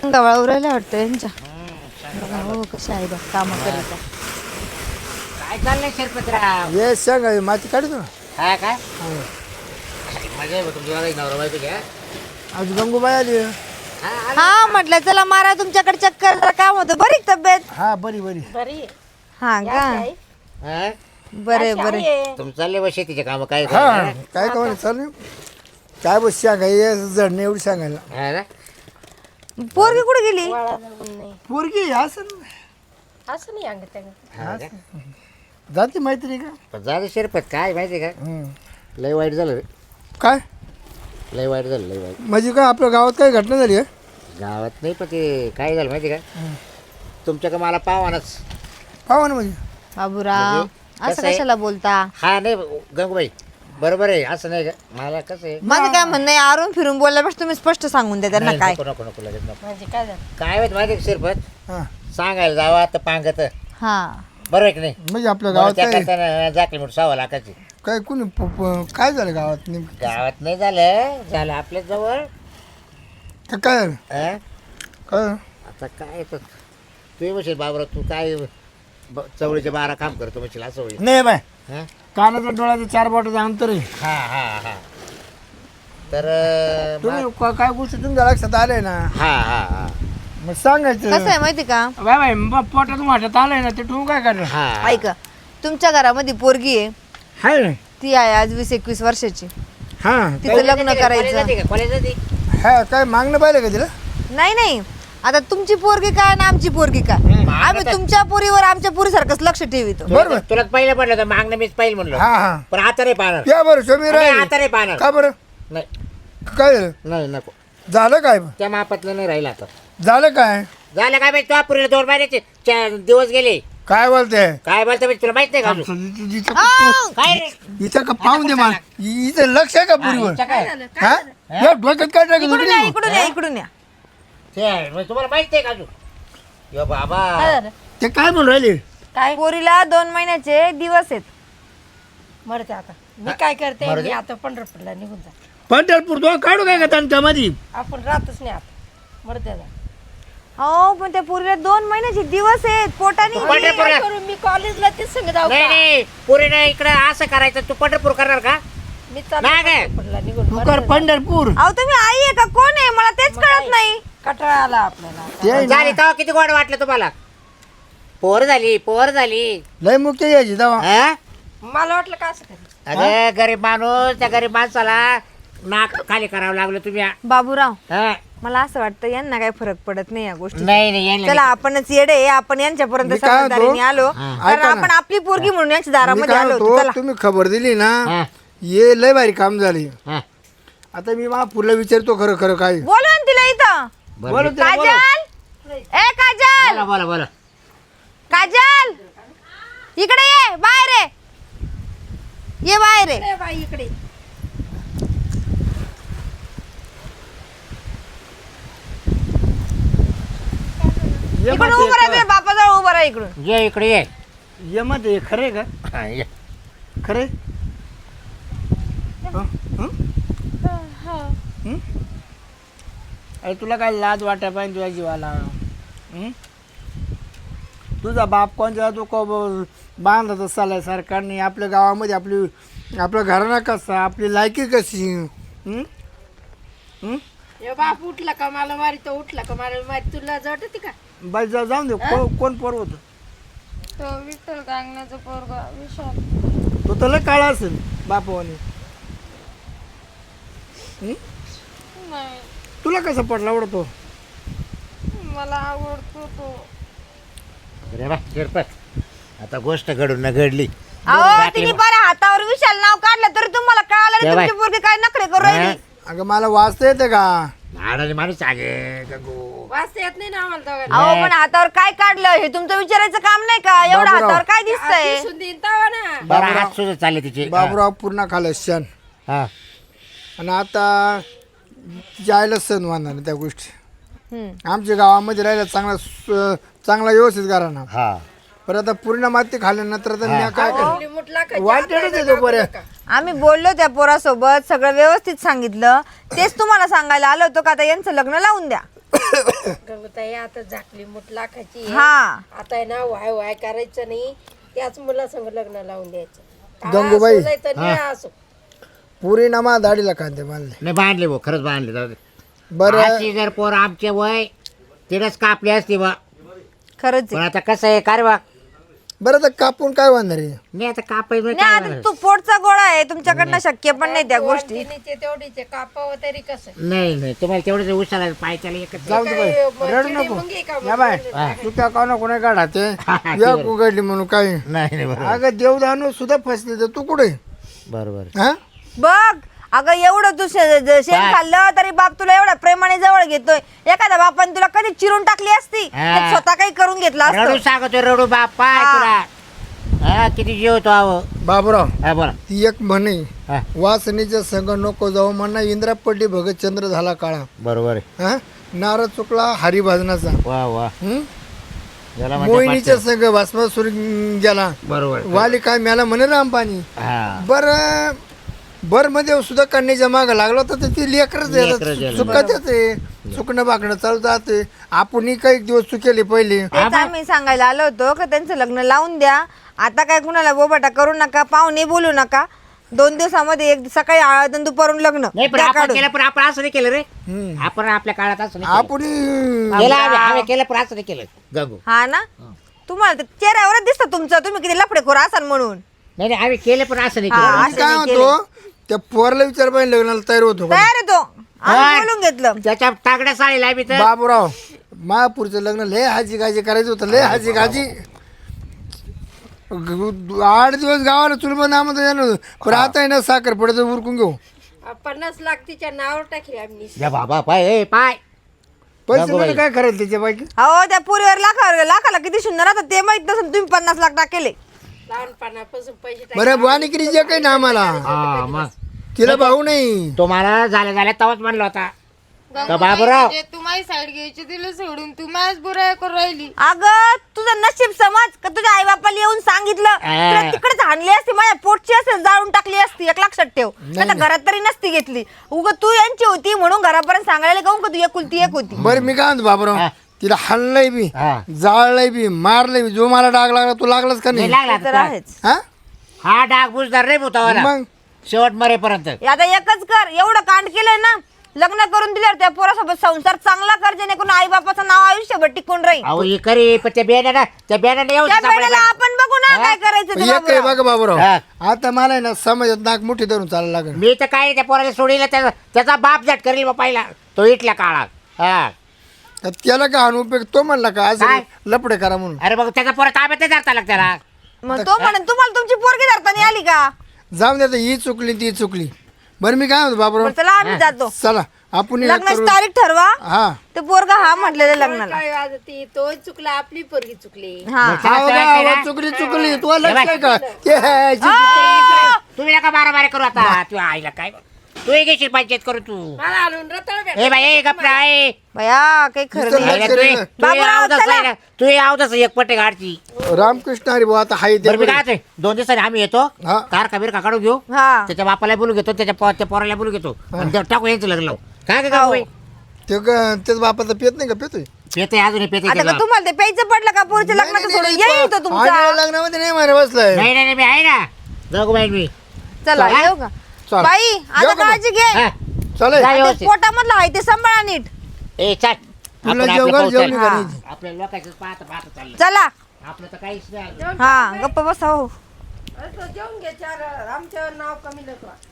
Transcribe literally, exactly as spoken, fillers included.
गवळा उरायला वाटतं यांच्या. बघा हो कशा आहे बघ कामं करीता. काय चाललंय शिरपतराव? ये सांग माती काढतो ना. हा काय मजा आहे तुमच्या नवरा बायको घ्या. आज गंगूबाई आली. हा म्हटलं चला मारा तुमच्याकडे चक्कर जरा काम होतं. बरी का तब्येत? हा बरी बरी बरी हा का हा? बरे बरे. तुमचं चालले बा शेतीचे काम काय हा काय का चालू काय बस सांगा ये जडणे एवढी सांगायला. हा ना? पोरगी कुठे गेली? वाळा जाऊन नाही पोरगी असं असं नाही अंगत त्या हा का? जाते मैत्री का. पण झालं शिरपत काय माहिती का हम्म. लय वाईट झालं रे. काय लय वाईट झालं लय वाईट. म्हणजे काय आपल्या गावात काही घटना झाली आहे. गावात नाही पण ते काय झालं माहिती का तुमच्या का मला पावानच. पाहा ना म्हणजे बाबूराव म्हणजे असं कसं आहे? कशाला बोलता? हा नाही गंगूबाई बरोबर आहे असं नाही का मला कसं आहे माझं काय म्हणणं आहे आरून फिरून बोलल्यापेक्षा तुम्ही स्पष्ट सांगून द्या त्यांना नाही, काय. नको नको नको लगेच नको. म्हणजे काय झालं काय माहिती माहिती का शिरपत हा सांगायला जावा तर पांगत हा बरोबर आहे की नाही. म्हणजे आपल्या गावात त्या काय करताना जाकली म्हणून सव्वा लाखाची काय कोणी प- प- काय झालं गावात नेमकं गावात नाही झालं झालं आपल्या जवळ. का- काय झालं हा? काय झालं? आता काय तर तू म्हणशील बाबरा तू काय ब- चवळीचे बारा काम करतो म्हणशील असं होईल. नाही बाय हा कानाचा डोळ्याचं चार बोटाचं अंतर आहे. हा हा हा तर अं, तुम्ही मग- का- काय गोष्टी तुमच्या लक्षात आले ना हा हा हा मग सांगायचं. कसं आहे माहिती का? बाय बाय मग पोटात वाटत आलंय ना ते तुम्ही काय करणार. हा ऐका तुमच्या घरामध्ये पोरगी आहे हाय ना ती आहे आज वीस एकवीस वर्षाची. हा तिचं लग्न करायचं. कॉलेज जाते हा काय मागणं पाहिलं का तिला. नाही नाही आता तुमची पोरगी काय ना आमची पोरगी काय आम्ही तुमच्या पोरीवर आमच्या पोरीसारखंच लक्ष ठेवितो. बरोबर. तुला पहिलं पडलं तर मागणं मीच पाहिजे म्हणलं हा हा पण आता नाही पाहणार. या बरं स्वामी नाही, राहील आता नाही पाहणार. का बरं नाही काय झालं नाही नको झालं काय त्या मापातलं नाही राहिलं आता. झालं काय झालं काय माहिती तुला पुरीला दोन महिन्याचे चार दिवस गेले. काय बोलते काय बोलतो माहिती तुला माहित नाही का अजून? हिचं काय रे हिचं का पाहून दे मला हिचं लक्ष आहे का पुरीवर हिचं काय? हा या डोक्यात काय टाकलं इकडून या तुम्ही? इकडून या इकडून या. ते आहे, मग तुम्हाला माहित नाही का अजून यो बाबा काय झालं ते काय म्हणून राहिले काय पोरीला दोन महिन्याचे दिवस आहेत. मरते आता मी काय करते मरू दे. मी आता पंढरपूरला निघून जा पंढरपूर तो काढू काय का त्यांच्यामध्ये आपण राहतच नाही आता मरते जा हो पण त्या पोरीला दोन महिन्याचे दिवस आहेत पोटाने. तू पंढरपूर काय करू मी कॉलेजला तेच सांगत आहो नाही का? नाही पुरीने इकडे असं करायचं तू पंढरपूर करणार का मी चालले नाही काय? पंढरपूरला निघून तू मरते कर जा. पंढरपूर अहो तुम्ही आई आहे का कोण आहे मला तेच मग कळत काय? नाही. कटाळा आला आपल्याला ते आहे ना, झाली तेव्हा किती गोड वाटलं तुम्हाला. पोर झाली पोर झाली लय मुक्त यायची दवा हा? मला वाटलं का असं करेल अगं गरीब माणूस त्या गरीब माणसाला नाक खाली करावं लागलं तुम्ही. बाबूराव हा? मला असं वाटतं यांना काय फरक पडत नाही या गोष्टी. नाही नाही यांना चला आपणच येडे आहे, आपण यांच्यापर्यंत मी काय समजदारीने म्हणतो? आलो हा. कारण ऐका ना. आपण आपली पोरगी म्हणून यांच्या मी दारामध्ये काय आलो होतो. म्हणतो चला तुम्ही खबर दिली ना हा, ये लय भारी काम झाले. हा. आता मी मला पुढला विचारतो खरं खरं काय बोलवा ना तिला इथं. बरं, बोला तिला, बोला. काजल ए काजल बोला बोला बोला काजल इकडे ये बाहेर ये ये बाहेर ये. ए बाई इकडे ये इकडून मत उभं ये, राहा बापाजवळ उभं राहा इकडून. ये इकडे ये ये मत ये, खरे का हा, ये. खरे हं? हं? हं? अरे तुला काय लाज वाटाय पाहिजे तुझ्या जीवाला हं? तुझा बाप कोणता तू को बांधत चाललाय सरकारने आपल्या गावामध्ये आपली आपल्या घराणा कसा आपली लायकी कशी हं? हं? ए बाप उठला का मला मारी तो उठला का मला मारी तुला जट होती का बाई जा जाऊन दे को, कोण पोर होतं तो विठ्ठल गांगण्याचा पोरगा विशाल. तो तर लय काळा असेल बापावाने हं? नाही तुला कसा पडला आवडतो मला आवडतो तो. अरे वा, शिरपत आता गोष्ट घडून न घडली. अहो तिने बरं हातावर विशाल नाव काढलं तरी तुम्हाला कळालं नाही ये बाय. तुमची पोरगी काय नखरे करू राहिली. अगं मला वाचता येते का झाडाने माणूस आगे गंगू. वाचता येत नाही ना आम्हाला दोघांना अहो पण हातावर काय काढलं हे तुमचं विचारायचं काम नाही का एवढं बाबूराव. हातावर काय दिसतंय. दिसून देईन तवा ना बरं हात सुद्धा चालले तिचे. बाबूराव पूर्ण खाल्लं क्षण हा. आणि आता तिच्या आईला सण मानणार त्या गोष्टी हम्म. आमच्या गावामध्ये राहिला चांगला स- चांगला व्यवस्थित करा ना हा पण आता पूर्ण माती खाल्ल्यानंतर तर मी काय कर मुठला का वाटेलच येतो बरं आम्ही बोललो त्या पोरासोबत सगळं व्यवस्थित सांगितलं तेच तुम्हाला सांगायला आलो होतो का आता यांचं लग्न लावून द्या. गंगूताई आता झाकली मुठ लाखाची आहे. हा आता आहे ना वाय वाय करायचं नाही, त्याच मुलासंग लग्न लावून द्यायचं. गंगूबाई. असो नाही तर निळा असो. पुरी नामा दाढीला कांदे बांधले. नाही बांधले भाऊ, खरंच बांधले. जाऊ दे. बरं अशी जर पोर आमचे वय तिनेच कापली असती बा. खरंच पण आहे. आता कसं आहे का रे बा, बरं तर कापून काय बांधणार आहे? नाही आता कापायचं नाही काय आता होणार? तू पोटचा गोळा आहे, तुमच्याकडनं शक्य पण नाही त्या गोष्टी. वाटणीचे तेवढीचे कापावं तरी कसं. नाही नाही तुम्हाला तेवढंच उशाला पाय त्याला एकच. जाऊ दे बाई, काय, रडू चिडी नको. मुंगी का या बाय हा. तू त्या कोणा कोणा काढा ते हा, या ते उघडली म्हणून काय. नाही नाही बरोबर अगं देवदानू सुद्धा फसले तर तू कुठे बरोबर. हा? बघ अगं एवढं तू शे- ज- शेण काय? खाल्लं तरी बाप तुला एवढ्या प्रेमाने जवळ घेतोय. एखाद्या बापाने तुला कधी चिरून टाकली असती, हा. ते स्वतः काही करून घेतलं रडू असतं. सांगतोय रडू बाप पाय हा. तुला. हा किती जीव होतो आहो. बाबूराव हा बोला. ती एक म्हणे हा वासनीच्या संग नको जाऊ म्हणा इंद्रा पडली भगत चंद्र झाला काळा. बरोबर आहे. हा नारद चुकला हरिभजनाचा. वा वा हं? याला म्हणते मोहिनीच्या पाचशे. संग भस्मासूर गेला. बरोबर. वाली काय म्याला म्हणे रामपाणी. हा बर बर मध्ये सुद्धा कन्याच्या माग लागला तर ती लेकरच लेकरंच यायला. चुकत येते चुकणं बाकणं चालू जाते. आपण काही दिवस चुकेले पहिले. तेच आम्ही सांगायला आलो होतो का त्यांचं लग्न लावून द्या. आता काय कुणाला बोबाटा करू नका, पाहुणे बोलू नका. दोन दिवसामध्ये एक सकाळी हळद आणि दुपारून लग्न नाही पण द्या आपण काढून. केलं पण आपण असं नाही केलं रे. हम्म. आपण आपल्या काळात असं नाही केलं. आपण केलं आम्ही आम्ही केलं पण असं नाही केलं गंगू. हा ना तुम्हाला ते चेहऱ्यावरच दिसतं तुमचं, तुम्ही किती लफडेखोर असाल म्हणून. नाही नाही आम्ही केलं पण असं नाही हा, केलं. असं काय नाही म्हणतो त्या पोरला विचार पाहिजे लग्नाला तयार होतो का? तयार आहे तो आम्ही हा. बोलून घेतलं. त्याच्या तागड्या साडीला आम्ही तर बाबूराव महापूरचं लग्न लय हाजी गाजी करायचं होतं. लय हाजी गाजी ग- आठ दिवस गावाला चुलबा नामत येणार होतं. पण आता आहे ना साखर पडायचं उरकून घेऊ. पन्नास लाख तिच्या नावावर टाकली आम्ही. या बाबा पाय ए पाय. पैसे बाबूबाई. म्हणजे काय करायचं त्याच्या बाकी. अहो त्या पुरीवर लाखावर लाखाला किती शून्य राहतात ते माहित नसेल. तुम्ही पन्नास लाख टाकेले. लहानपणापासून पैसे टाकले. बरं वाणिकिरी जे काही ना आम्हाला हा मग तिला भाऊ नाही. तुम्हाला झाल्या झाल्या तवाच म्हणलं होता. गंगूबाई, बाबूराव. म्हणजे तू माझी साईड घ्यायची दिलं सोडून तू माझ बुराई करून राहिली. अगं तुझं नशीब समज का तुझ्या आई बापाला येऊन सांगितलं हा. तुला तिकडेच आणली असती, माझ्या पोटची असेल जाळून टाकली असती. एक लक्षात ठेव. नाही घरात तरी नसती घेतली. उग तू यांची होती म्हणून घरापर्यंत सांगायला गाऊन का तू एकुलती एक होती. बरं मी काय म्हणतो बाबूराव हा. तिला हल्लय बी हा. जाळलंय बी मारलंय बी. जो मला डाग लागला तो लागलाच का नाही नाही? लागला ते तर आता. आहेच. हा हा डाग बुजदार रे भूतावाला मग शेवट मरेपर्यंत. आता एकच कर, एवढं कांड केलंय ना, लग्न करून दिल्यावर त्या पोरासोबत संसार चांगला कर जेणेकरून आई बापाचं नाव आयुष्यभर टिकून राहील. अहो हे करी पण त्या बियाण्याला त्या बियाण्याने येऊ त्या वेळेला आपण बघू ना काय करायचं ते एक काही बाबूराव. बघा बाबूराव हा. आता मला आहे ना समाजात नाक मुठी धरून चालायला लागेल. मी तर काय त्या पोराला सोडीला त्याचा त्याचा बाप झट करेल बा पहिला तो इटल्या काळात. हा तर त्याला काय आणून उपयोग तो म्हणला का असं काय? लपडे करा म्हणून. अरे बघ त्याचा पोरा ताब्यात नाही धरता लाग त्याला. मग तो म्हणून तुम्हाला तुमची पोरगी धरताना आली का? जाऊन द्या ही चुकली ती चुकली. बरं मी काय म्हणतो बाबूराव बरं, चला आम्ही जातो. चला आपण हे लग्नाची करू. तारीख ठरवा. हा ते पोरगा हा म्हटलेलं लग्नाला. काय वाजती तो चुकला, आपली पोरगी चुकली. हा मग त्याला आहो कळत गा, नाही आहो, ना? चुकली चुकली तू लक्ष बाय. आहे का ते ह्याची चुकली. तुम्ही नका बारा बारा करू आता. तू आईला काय तू घेशील पंचायत करू तू. मला आणून रताळ भेट. ए बाई ए गप्पा ए बया काही खरं नुसतं नाही. आईला लक्ष तू नाही. तू बाबूराव, आवतच चला. आहे ना. तू आवतच एक पट्टे गाडची. रामकृष्ण हरी भाऊ आता हाय बरं मी ते काय म्हणतोय, दोन दिवसांनी आम्ही येतो हा. कार कबीर काढून घेऊ. हा त्याच्या बापाला बोलू घेतो त्याच्या पो- त्या पोराला बोलू घेतो आणि ते टाकू यांचं लग्न लावू. काय काय हो. ते ग- त्याच बापाचा पेत नाही का पेतोय. पेते अजून पेते आता का तुम्हाला ते प्यायचं पडलं का पोरीच्या लग्नाचं सोडून येईल तो तुमचा. आणि लग्नामध्ये नाही मारे बसलाय. नाही नाही नाही, मी आहे ना जाऊ बाई मी. चला चला. येऊ का चला. बाई आता येऊ का मग? काळजी घे. हा. चला जा ते व्यवस्थित. पोटामधलं आहे ते सांभाळा नीट. ए चाल तुला आपण आपलं जेवण पाहू जेवणी चाल. करायची. आपल्या लोकांचं पाहत पाहत चाललं चला आपलं तर काहीच नाही. हा गप्प बसा हो. असं जेवून घे चार, आमच्यावर नाव कमी नको.